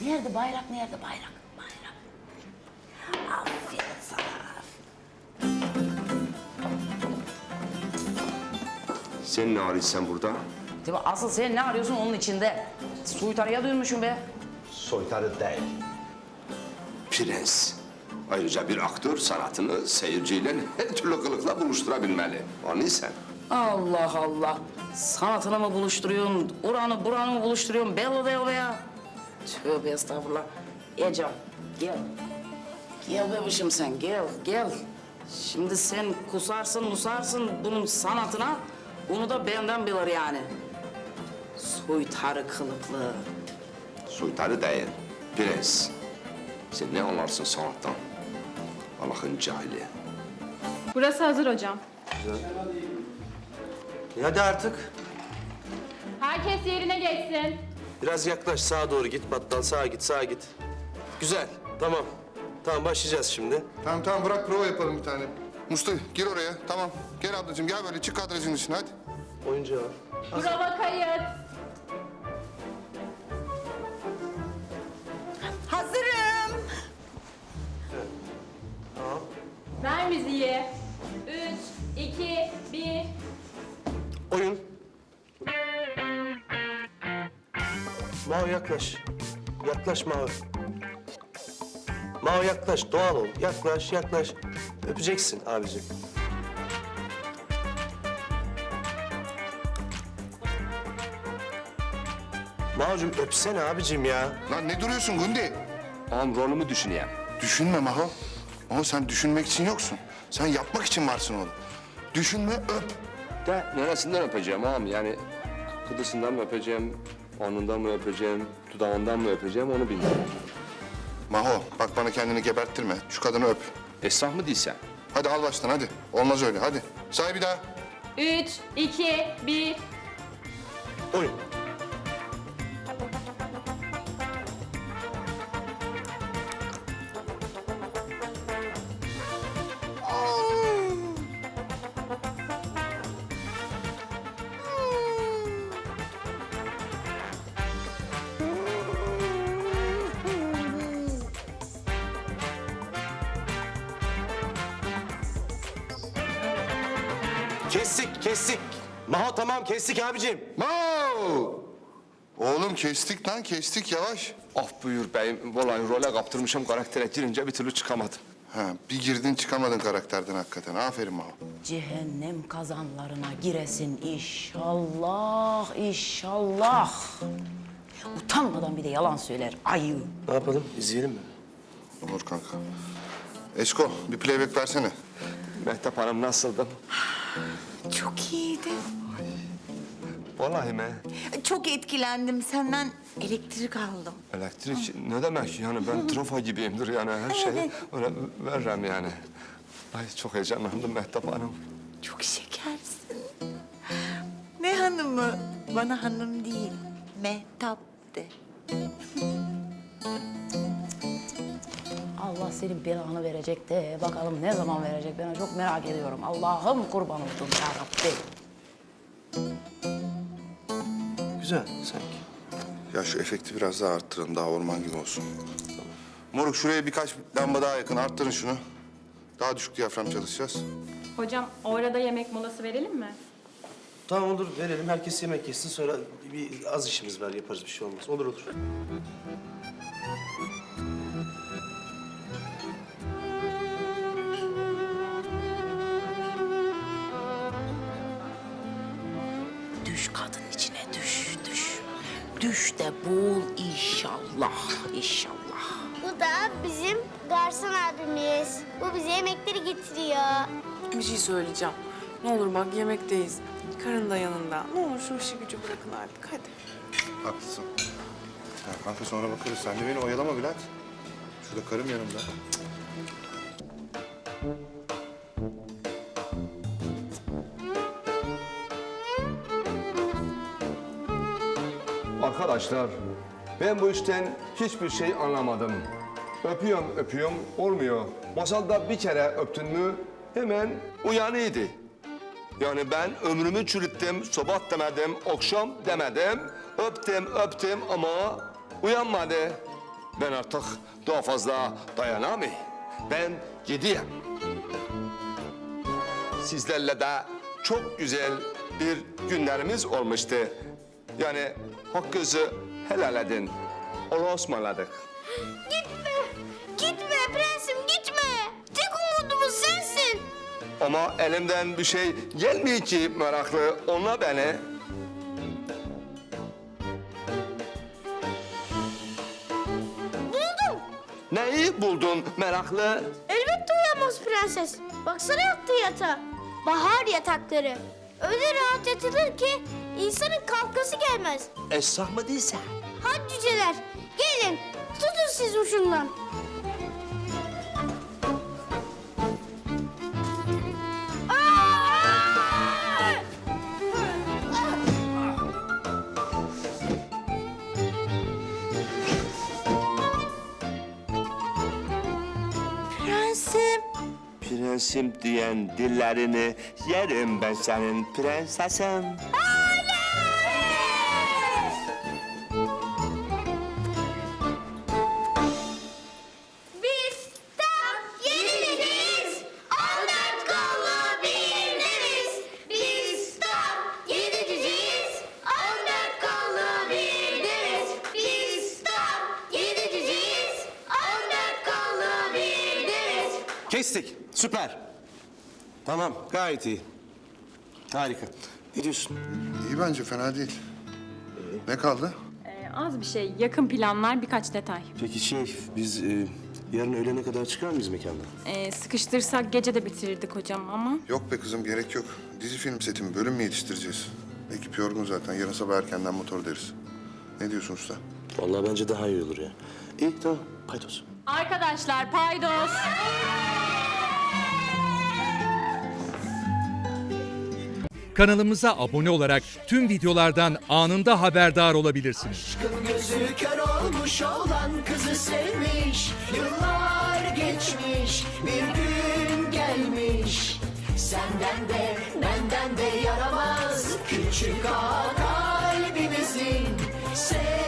Nerede bayrak, nerede bayrak? Bayrak. Aferin sana. Sen ne arıyorsun burada? Değil mi? Asıl sen ne arıyorsun onun içinde? Soytarıya dönmüşsün be. Soytarı değil. Prens. Ayrıca bir aktör sanatını seyirciyle her türlü kılıkla buluşturabilmeli. Anlıyorsun? Allah Allah. Sanatını mı buluşturuyorsun, uranı buranı mı buluşturuyorsun? Belli değil be ya. Tövbe estağfurullah. Ecem, gel. Gel bebişim sen, gel, gel. Şimdi sen kusarsın, musarsın bunun sanatına. Bunu da benden bilir yani. Soytarı kılıklı. Soytarı değil. Prens. Sen ne anlarsın sanattan? Allah'ın cahili. Burası hazır hocam. Hadi artık. Herkes yerine geçsin. Biraz yaklaş, sağa doğru git. Battal sağa git, sağa git. Güzel, tamam. Tamam, başlayacağız şimdi. Tamam bırak prova yapalım bir tane. Mustafa gir oraya. Tamam. Gel ablacığım gel böyle çık kadrajın dışına hadi. Oyuncu al. Prova kayıt. Hazırım. Ver müziği. 3, 2, 1. Oyun. Mao yaklaş. Yaklaş Mao. Mao yaklaş, doğal ol. Yaklaş, yaklaş. Öpeceksin abicim. Mao'cum öpsene abicim ya. Lan ne duruyorsun Gundi? Ağam rolümü düşüneyim. Düşünme Maho. Maho sen düşünmek için yoksun. Sen yapmak için varsın oğlum. Düşünme öp. De neresinden öpeceğim ağam? Yani kıdısından mı öpeceğim, alnından mı öpeceğim, dudağından mı öpeceğim onu bilmiyorum. Maho bak bana kendini geberttirme. Şu kadını öp. Esrah mı değilsen? Hadi al baştan hadi. Olmaz öyle hadi. Say bir daha. 3, 2, 1. Oyun. Kestik, kestik. Maho tamam, kestik abicim. Maho! Oğlum kestik lan kestik yavaş. Af buyur beyim. Vallahi role kaptırmışım karaktere girince bir türlü çıkamadım. Ha bir girdin çıkamadın karakterden hakikaten. Aferin Maho. Cehennem kazanlarına giresin inşallah, inşallah. Utanmadan bir de yalan söyler ayı. Ne yapalım, izleyelim mi? Olur kanka. Esko bir playback versene. Mehtap Hanım nasıldı? Çok iyiydi. Vallahi mi? Çok etkilendim. Senden elektrik aldım. Elektrik ne demek yani ben trafo gibiyimdir yani her şeyi öyle veririm yani. Ay çok heyecanlandım Mehtap Hanım. Çok şekersin. Ne hanımı? Bana hanım değil. Mehtap de. Allah senin belanı verecek de bakalım ne zaman verecek ben çok merak ediyorum. Allah'ım kurban oldum ya Rabbi. Güzel sanki. Ya şu efekti biraz daha arttırın daha orman gibi olsun. Moruk şuraya birkaç lamba daha yakın arttırın şunu. Daha düşük diyafram çalışacağız. Hocam orada yemek molası verelim mi? Tamam olur, verelim. Herkes yemek yesin. Sonra bir az işimiz var, yaparız bir şey olmaz. Olur olur. Düş kadın içine düş, düş. Düş de bul inşallah, inşallah. Bu da bizim garson abimiz. Bu bize yemekleri getiriyor. Bir şey söyleyeceğim. Ne olur bak yemekteyiz. Karın da yanında. Ne olur şu işi gücü bırakın artık hadi. Haklısın. Ya kanka sonra bakarız. Sen de beni oyalama Bülent. Şurada karım yanımda. Arkadaşlar ben bu işten hiçbir şey anlamadım. Öpüyorum öpüyorum olmuyor. Masalda bir kere öptün mü hemen uyanıydı. Yani ben ömrümü çürüttüm, sabah demedim, akşam demedim. Öptüm öptüm ama uyanmadı. Ben artık daha fazla dayanamayayım. Ben gideyim. Sizlerle de çok güzel bir günlerimiz olmuştu. Yani hakkınızı helal edin. Allah'a ısmarladık. Gitme. Gitme prensim gitme. Tek umudumuz sensin. Ama elimden bir şey gelmiyor ki meraklı. Onunla beni. Buldum. Neyi buldun meraklı? Elbette uyanmaz prenses. Baksana yattığı yatağa. Bahar yatakları. Öyle rahat yatılır ki insanın kalkası gelmez. Esrah mı değilse? Hadi cüceler gelin tutun siz ucundan. Aa! Prensim. Prensim diyen dillerini yerim ben senin prensesim. Biz tam yenileceğiz. 14 kollu bir deriz. Biz tam yenileceğiz. 14 kollu bir deriz. Biz tam yenileceğiz. 14 kollu bir deriz. Kestik. Süper. Tamam, gayet iyi. Harika. Ne diyorsun? İyi bence fena değil. Ne kaldı? Az bir şey, yakın planlar, birkaç detay. Peki biz yarın öğlene kadar çıkar mıyız mekandan? Sıkıştırsak gece de bitirirdik hocam ama... Yok be kızım gerek yok. Dizi film seti mi bölüm mü yetiştireceğiz? Ekip yorgun zaten. Yarın sabah erkenden motor deriz. Ne diyorsun usta? Vallahi bence daha iyi olur ya. İyi, tamam. Paydos. Arkadaşlar paydos. Kanalımıza abone olarak tüm videolardan anında haberdar olabilirsiniz. Gözü kör olmuş olan kızı sevmiş. Yıllar geçmiş bir gün gelmiş. Senden de benden de yaramaz küçük ağa kalbimizin.